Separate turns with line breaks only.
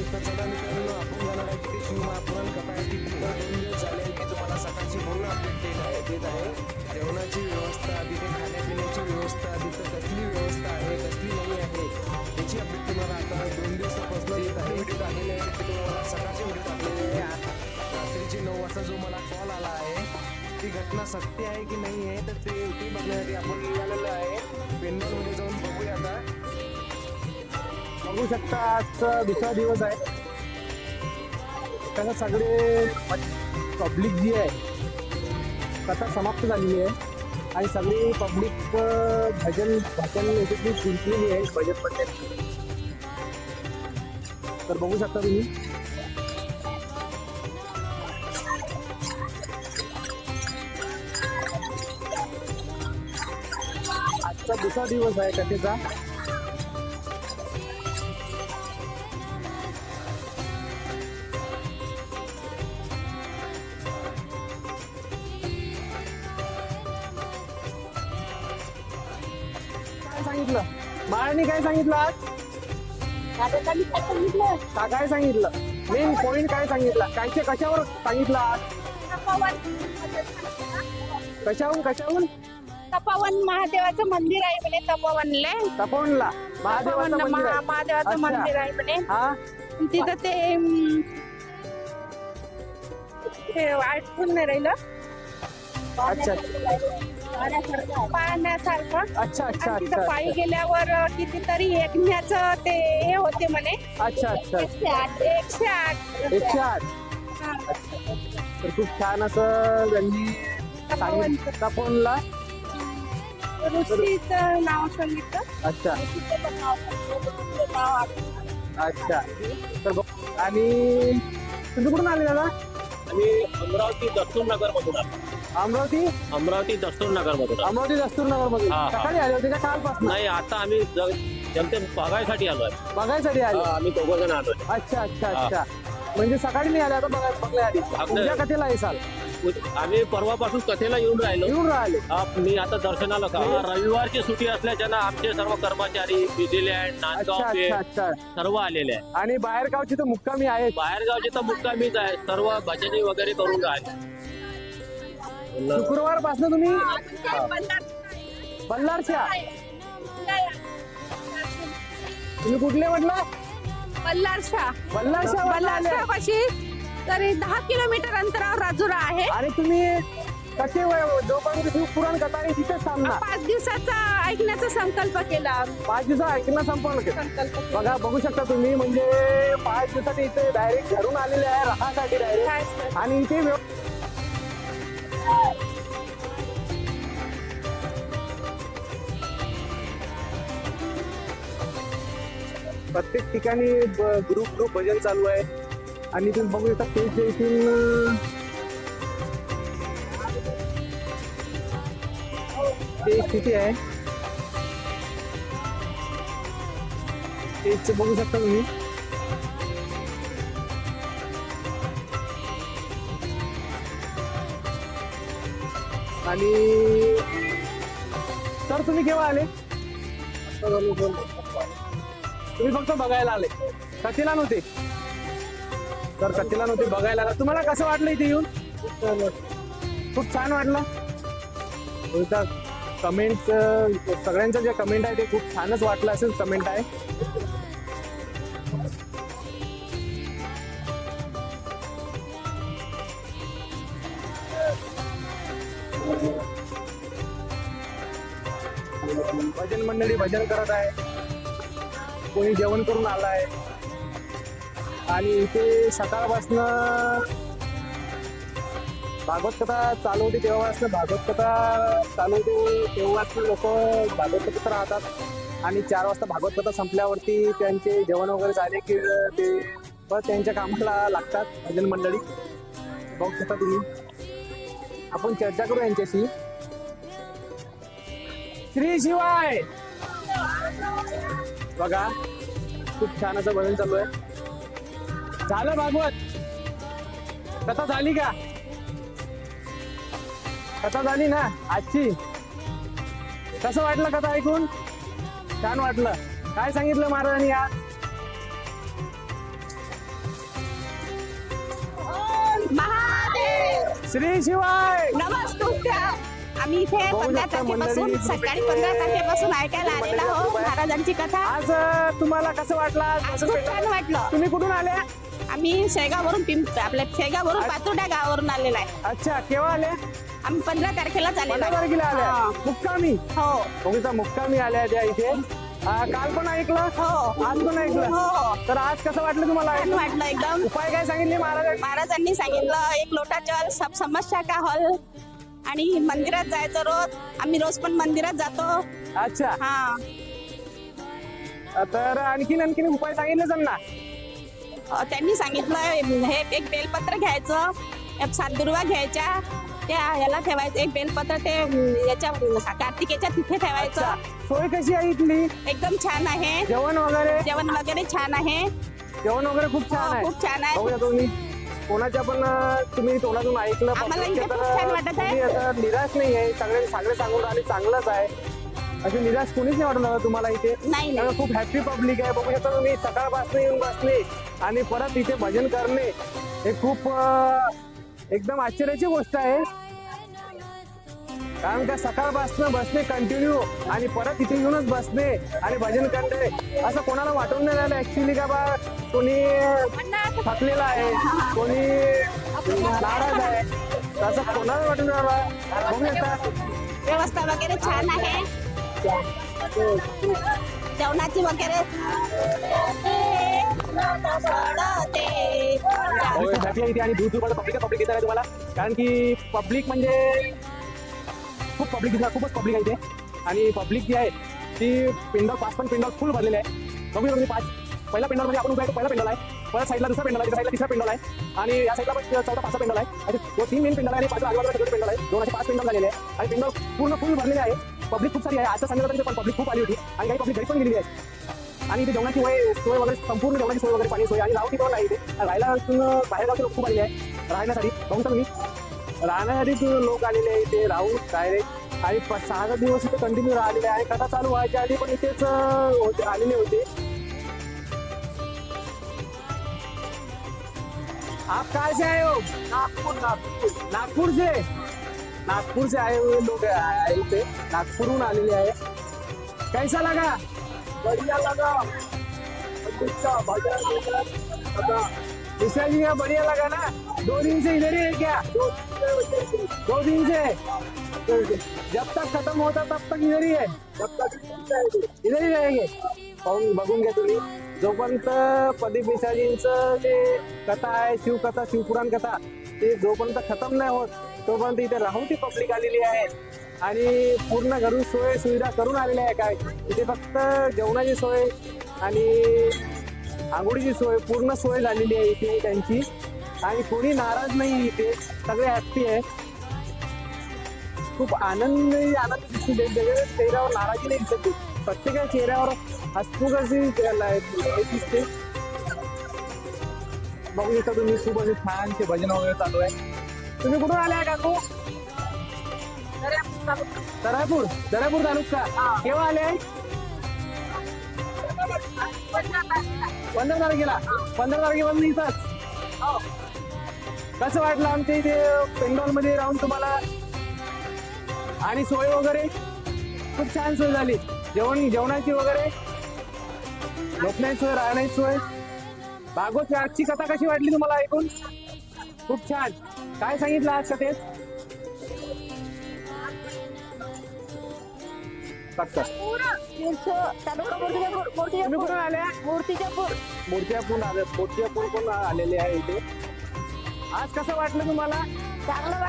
तर चला मित्रांनो, आपण जाणार आहे तिथे शिवमहापुराण कथा आहे ती. 2 दिवस झाले की तुम्हाला सकाळची पूर्ण अपडेट देत आहे. जेवणाची व्यवस्था, तिथे खाण्यापिण्याची व्यवस्था, तिथं कसली व्यवस्था आहे कसली नाही आहे याची अपडेट तुम्हाला आता 2 दिवसापासून येत आहे. व्हिडिओ टाकलेले आहे ते तुम्हाला सकाळचे व्हिडिओ टाकलेले आहे. रात्रीचे 9 वाजता जो मला कॉल आला आहे ती घटना सत्य आहे की नाही आहे तर ते बघण्यासाठी आपण निघालेलो आहे. पेंडॉलमध्ये जाऊन बघूया. आता बघू शकता आजचा दुसरा दिवस आहे. त्याला सगळे पब्लिक जी आहे कथा समाप्त झालेली आहे आणि सगळी पब्लिक भजन याच्यातली गुंतलेली आहे भजन मंडळी. तर बघू शकता तुम्ही आजचा दुसरा दिवस आहे कथेचा. सांगितलं बाळांनी काय सांगितलं आज? काय सांगितलं? मेन पॉइंट काय सांगितलं? कायचे कशावर सांगितलं आज? कशाहून
तपोवन महादेवाचं मंदिर आहे म्हणे.
तपोवनला
महादेवाचं मंदिर आहे म्हणे.
हा
तिथं ते आठवून नाही राहिलं
अच्छा
पाहण्यासारखं.
अच्छा अच्छा
तिथं
अच्छा
पायी गेल्यावर कितीतरी यज्ञाचं ते हे होते म्हणे.
अच्छा अच्छा
108
108. तर खूप छान असं त्यांनी सांगितलं तपोवनला.
ऋषीचं नाव सांगितलं.
अच्छा
ऋषीचं नाव
अच्छा. तर आणि तुम्ही कुठून आले दादा?
आम्ही अमरावती दस्तूरनगर मधून आलो.
अमरावती
दस्तूरनगर मधून
दस्तूरनगर मधून
हा, हा.
सकाळी आले होते का कालपासून?
नाही, आता आम्ही जनते बघायसाठी आलोय.
बघायसाठी आले.
आम्ही 2 जण आलोय.
अच्छा अच्छा अच्छा. म्हणजे सकाळी नाही आले, आता बघायला आली. उद्या कथेला येसाल?
आम्ही परवापासून कथेला येऊन राहिलो.
येऊन राहिले.
मी आता दर्शनाला रविवारची सुट्टी असल्याच्यानं आमचे सर्व कर्मचारी न्यूझीलँड, नांदगाव
अच्छा
पे
अच्छा अच्छा.
सर्व आलेले आहे.
आणि बाहेर गावची तर मुक्कामी आहेत.
बाहेरगावचे तर मुक्कामीच आहे. सर्व भजनी वगैरे करून राहिले.
शुक्रवार पासून तुम्ही बल्लारच्या? तुम्ही कुठले म्हटलं?
बल्लारशा पाशी तरी 10 किलोमीटर अंतरावर राजुरा आहे.
आणि तुम्ही कसे जोपर्यंत शिवपुराण कथा आहे तिथेच थांबणार?
5 दिवसाचा ऐकण्याचा संकल्प केला.
5 दिवस ऐकणं संपवलं का?
संकल्प
बघा बघू शकता तुम्ही, म्हणजे 5 दिवसात इथे डायरेक्ट घरून आलेले आहे राहण्यासाठी डायरेक्ट. आणि इथे प्रत्येक ठिकाणी ग्रुप भजन चालू आहे. आणि तुम्ही बघू शकता तेच इथून ते स्थिती आहे. तेच बघू शकता तुम्ही. आणि सर तुम्ही केव्हा आले? तुम्ही फक्त बघायला आले, कथेला नव्हते? तर कथेला नव्हते, बघायला आला. तुम्हाला कसं वाटलं इथे येऊन? खूप छान वाटलं. कमेंट सगळ्यांचं जे कमेंट आहे ते खूप छानच वाटलं असेल कमेंट आहे. भजन मंडळी भजन करत आहे, कोणी जेवण करून आलाय. आणि इथे सकाळपासून भागवत कथा चालू होती तेव्हापासून लोक भागवत कथा राहतात. आणि 4 वाजता भागवत कथा संपल्यावरती त्यांचे जेवण वगैरे झाले की ते त्यांच्या कामाला लागतात भजन मंडळी. बघू शकता तुम्ही. आपण चर्चा करू यांच्याशी. श्री शिवाय. बघा खूप छान असं भजन चालू आहे. झालं भागवत कथा झाली का? कथा झाली ना आजची? कसं वाटलं कथा ऐकून? छान वाटलं. काय सांगितलं महाराजांनी आज? श्री शिवाय.
नमस्तुभ्या. आम्ही इथे
बघू
15
शकता
तारखेपासून
मंडळी,
सकाळी
इथे
15 तारखेपासून ऐकायला आलेला हो
मंडळी
महाराजांची कथा.
आज तुम्हाला कसं वाटलं?
आज खूप छान वाटलं.
तुम्ही कुठून आल्या?
आम्ही शेगाववरून आपल्या शेगाववरून पातुर्डा गावावरून आलेला आहे.
अच्छा, केव्हा आल्या?
आम्ही 15 तारखेलाच आलेलो
15
आहे.
तारखेला आल्या.
हा.
मुक्कामी.
हो
बघूचा मुक्कामी आल्या त्या इथे. काल पण ऐकलं,
हो
आज पण ऐकलं.
हो
तर आज कसं वाटलं तुम्हाला?
छान वाटलं एकदम.
उपाय काय सांगितले महाराज?
महाराजांनी सांगितलं एक लोटा जल सब समस्या का हल. आणि मंदिरात जायचं रोज. आम्ही रोज पण मंदिरात जातो.
अच्छा,
हा
तर आणखीन उपाय सांगितले त्यांना?
त्यांनी सांगितलं हे एक बेलपत्र घ्यायचं, एक 7 दुर्वा घ्यायच्या, त्या याला ठेवायचं. एक बेलपत्र ते याच्या कार्तिकेच्या तिथे ठेवायचं.
अच्छा, सोय कशी आहे इथली?
एकदम छान आहे.
जेवण वगैरे
छान आहे.
जेवण वगैरे खूप छान
हो,
आहे.
खूप छान आहे.
बघूया तुम्ही कोणाच्या पण तुम्ही तोंडातून ऐकलं.
आम्हाला
public
इथे
तर
खूप छान वाटत आहे.
तुम्ही असं निराश नाही आहे. सगळे सांगून राहिले चांगलंच आहे. असे निराश कोणीच नाही वाटलं तुम्हाला इथे?
नाही नाही
त्यामुळे खूप हॅपी पब्लिक आहे. बघू शकता तुम्ही सकाळपासून येऊन बसले आणि परत इथे भजन करणे हे खूप एकदम आश्चर्याची गोष्ट आहे. कारण का सकाळपासून बसणे कंटिन्यू आणि परत इथे येऊनच बसणे आणि भजन करणे असं कोणाला वाटून नाही राहिलं ऍक्च्युली का बा कोणी थकलेला आहे, कोणी नाराज आहे, असं कोणाला वाटून राहिलं. बघू शकता
व्यवस्था वगैरे छान आहे. जेवणाची वगैरे
हॅपी आहे इथे आणि दूर दूर पब्लिक येत आहे तुम्हाला. कारण की पब्लिक म्हणजे खूप खूपच पब्लिक आहे इथे. आणि पब्लिक जी आहे ती पेंडॉल 5 पण पेंडॉल फुल भरलेले आहे. बघू शकतो 5 पहिला पेंडॉल म्हणजे आपण उभा आहे पहिला पेंडॉल आहे. परत साईडला दुसरा पेंडॉल आहे, साईडला तिसरा पेंडॉल आहे आणि या साईडला पण 4था 5वा पेंडॉल आहे. असे 3 मेन पेंडॉल आहे आणि 5 आजूबाजूला सगळे पेंडॉल आहे. 2 असे 5 पेंडॉल झालेले आहे आणि पेंडॉल पूर्ण फुल भरलेले आहे. पब्लिक खूप सारी आहे. आता सांगितलं पण पब्लिक खूप आली होती आणि काही पब्लिक घरी पण गेलेली आहे. आणि इथे जेवणाची सोय वगैरे संपूर्ण जेवणाची सोय वगैरे पाणी सोय आणि राहती पण आहे इथे. राहायला बाहेर गावचे लोक खूप आलेले आहे राहण्यासाठी. बघू शकता तुम्ही राहण्यासाठी लोक आलेले आहे इथे राहून डायरेक्ट. आणि 6 दिवस इथे कंटिन्यू राहिलेले आहे. कथा चालू व्हायच्या आधी पण इथेच आलेले होते. आप कहाँ से आए हो? नागपूर से आए हुए लोग आए थे. नागपूरहून आलेले आहे. कैसा लगा? बढ़िया लगा. विशाल जी का बढ़िया लगा ना? 2 दिन से इधर ही है क्या? 2 दिन से जब तक खत्म होता तब तक इधर ही है. इधर ही रहेंगे. बघून घ्या तुम्ही. जोपर्यंत प्रदीप मिश्राजींचं जे कथा आहे शिवकथा शिवपुराण कथा ते जोपर्यंत खतम नाही होत तोपर्यंत इथे राहून ती पब्लिक आलेली आहे. आणि पूर्ण घरून सोय सुविधा करून आलेली आहे. काय इथे फक्त जेवणाची सोय आणि आंघोळीची सोय पूर्ण सोय झालेली आहे इथे त्यांची. आणि कोणी नाराज नाही इथे. सगळे हॅप्पी आहे. खूप आनंद दिसते. चेहऱ्यावर नाराजी नाही दिसते. प्रत्येकाच्या चेहऱ्यावर हसमुख अशी दिसते. बघू शकता तुम्ही खूप असे छानचे भजन वगैरे चालू आहे. तुम्ही कुठून आले आहे काकू? दर्यापूर तालुका. केव्हा आले? 15 तारखेला. 15 तारखेपासून इथंच. कसं वाटलं आमच्या इथे पेंडॉल मध्ये राहून तुम्हाला? आणि सोय वगैरे खूप छान सोय झाली. जेवणाची वगैरे झोपण्याची सोय, राहण्याची सोय. भागवत आजची कथा कशी वाटली तुम्हाला ऐकून? खूप छान. काय सांगितलं आज कथेत? तुम्ही कुठून आल्या? मूर्तिजापूर पण आलेले आहे इथे. आज कसं वाटलं तुम्हाला?
चांगलं